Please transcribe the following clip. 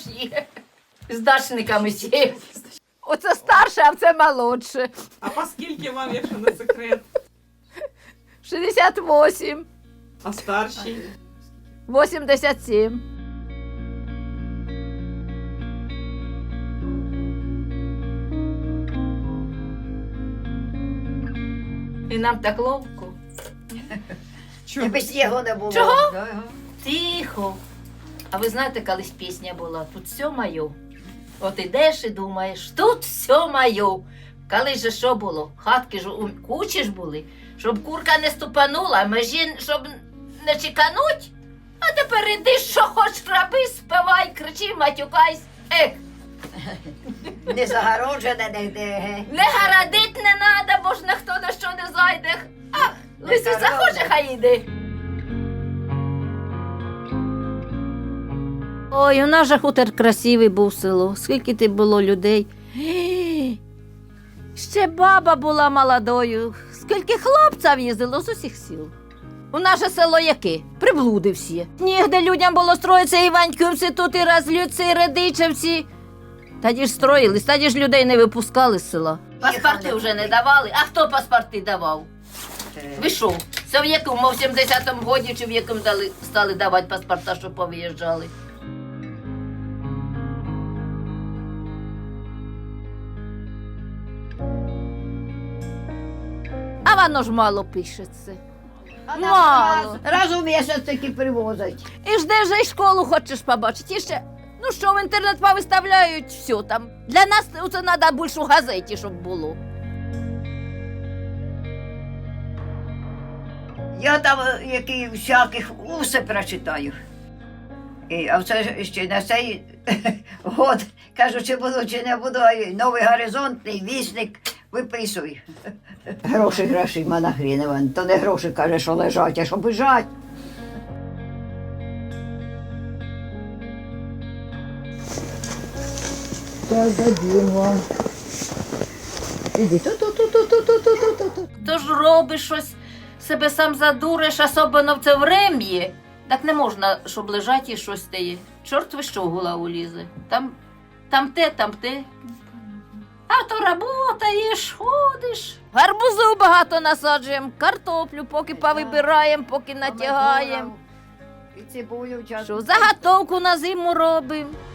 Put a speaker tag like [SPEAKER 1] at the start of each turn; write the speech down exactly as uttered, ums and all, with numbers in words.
[SPEAKER 1] ж є. З дачниками сіє.
[SPEAKER 2] Оце старше, а це молодше.
[SPEAKER 3] А по скільки вам, якщо не секрет?
[SPEAKER 2] шістдесят вісім,
[SPEAKER 3] А старший?
[SPEAKER 2] вісімдесят сім.
[SPEAKER 1] І нам так ловко.
[SPEAKER 3] Чого?
[SPEAKER 4] Якби снігу не було.
[SPEAKER 1] Чого?
[SPEAKER 4] Да.
[SPEAKER 1] Тихо. А ви знаєте, колись пісня була «Тут все моє». От ідеш і думаєш, тут все моє. Колись же що було? Хатки ж у кучі ж були, щоб курка не ступанула, межі, щоб не чекануть. А тепер іди, що хоч роби, співай, кричи, матюкайся. Ех,
[SPEAKER 4] Не загороджене нігде. ге.
[SPEAKER 1] не гарадить не надо, бо ж ніхто на що не зайде. А, Лисиця
[SPEAKER 4] гаразд.
[SPEAKER 1] хоче, хай іде. Ой, у нас же хутор красивий був село. Скільки ти було людей. Ще баба була молодою. Скільки хлопців їздило з усіх сіл. У наше село яке? Приблуди всі. Нігде людям було строїться Іваньківці, тут і Разлюці, і Радичевці. Тоді ж строїлись, тоді ж людей не випускали з села. Паспорти вже не давали. А хто паспорти давав? Ви що? Це в якому, в сімдесятому годі чи в якому дали, стали давати паспорта, щоб повиїжджали? А воно ж мало пишеться. Мало.
[SPEAKER 4] Раз у місяць таки привозять.
[SPEAKER 1] І ж де ж і школу хочеш побачити? І ще, ну що, в інтернет повиставляють, все там. Для нас це треба більше у газеті, щоб було.
[SPEAKER 4] Я там е, які всяких усе прочитаю. І, а це ж ще на цей год, кажу, чи буду, чи не буду, а й новий горизонтний вісник виписуй. Гроші, гроші, манахрінова. То не гроші, каже, що лежать, а що бежать. Так, дадим вам. Іди, ту-ту-ту-ту-ту-ту-ту-ту.
[SPEAKER 1] То ж робиш щось, себе сам задуриш, особливо в це врем'ї. Так не можна, щоб лежать і щось стає. Чорт ви що в голову лізе. Там, там те, там те. А то работаєш, ходиш. Гарбузу багато насаджуємо, картоплю, поки повибираємо, поки натягаємо.
[SPEAKER 4] І цибулю часто.
[SPEAKER 1] Що, заготовку на зиму робимо.